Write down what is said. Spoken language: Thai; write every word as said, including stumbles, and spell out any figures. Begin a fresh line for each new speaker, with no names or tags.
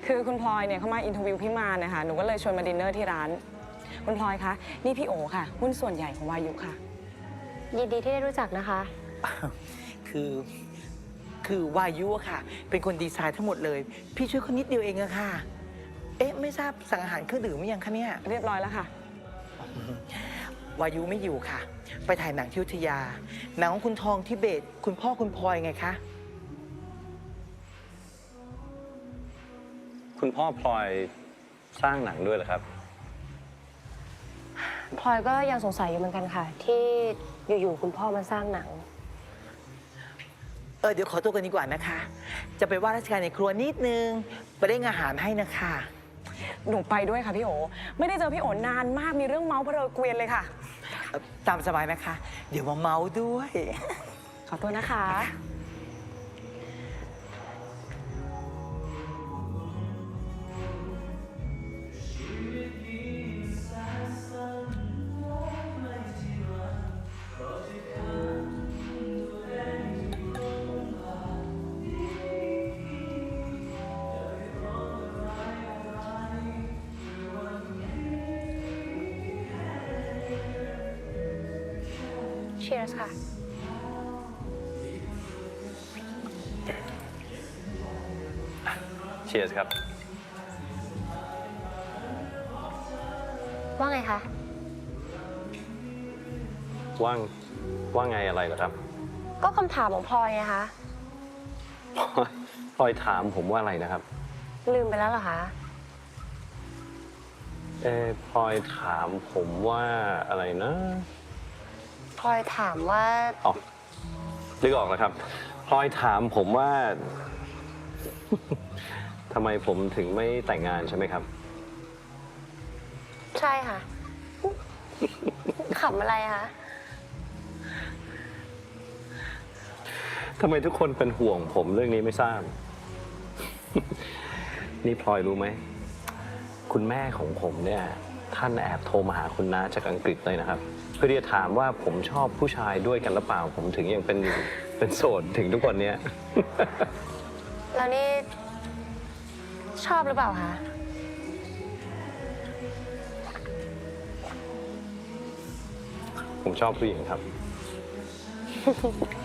คือคุณพลอยเนี่ยเขามาอินเทอร์วิวพี่มานะคะหนูก็เลยชวนมาดินเนอร์ที่ร้าน คุณพลอยคะนี่พี่โอค่ะหุ้นส่วนใหญ่ของวายุค่ะ
ยินดีที่ได้รู้จักนะคะ
คือคือวายุค่ะเป็นคนดีไซน์ทั้งหมดเลยพี่ช่วยคนนิดเดียวเองอะค่ะเอ๊ะไม่ทราบสั่งอาหารเครื่องดื่มหรือยังคะเนี่ย
เรียบร้อยแล้วค่ะ
วายุไม่อยู่ค่ะไปถ่ายหนังที่อยุธยาหนังของคุณทองทิเบตคุณพ่อคุณพลอยไงคะ
คุณพ่อพลอยสร้างหนังด้วยเหรอครับ
พลอยก็ยังสงสัยอยู่เหมือนกันค่ะ ที่อยู่ๆคุณพ่อมาสร้างหนัง
เออเดี๋ยวขอตัวกันดีกว่านะคะจะไปว่าราชการในครัวนิดนึงไปเร่งอาหารให้นะคะ
หนูไปด้วยค่ะพี่โอไม่ได้เจอพี่โอนานมากมีเรื่องเมาส์เพลอเกวียนเลยค่ะ
ตามสบายนะคะเดี๋ยวมาเมาด้วย
ขอตัวนะคะ
Cheers ค่ะ
เชียร์ครับ
ว่าไงคะ
ว่างว่าไงอะไรเหรอครับ
ก็คำถามของพลอยไงคะ
พลอยถามผมว่าอะไรนะครับ
ลืมไปแล้วเหรอคะ
เออพลอยถามผมว่าอะไรนะ
พลอยถามว่า
อ๋อนึกออกแล้วครับพลอยถามผมว่าทำไมผมถึงไม่แต่งงานใช่ไหมครับ
ใช่ค่ะขำอะไรคะ
ทำไมทุกคนเป็นห่วงผมเรื่องนี้ไม่ทราบ นี่พลอยรู้ไหมคุณแม่ของผมเนี่ยท่านแอบโทรมาหาคุณน้าจากอังกฤษเลยนะครับเพื่อที่จะถามว่าผมชอบผู้ชายด้วยกันหรือเปล่าผมถึงยังเป็นเป็นโสดถึงทุกวันนี้
แล้วนี่ชอบหรือเปล่าคะ
ผมชอบผู้หญิงครับ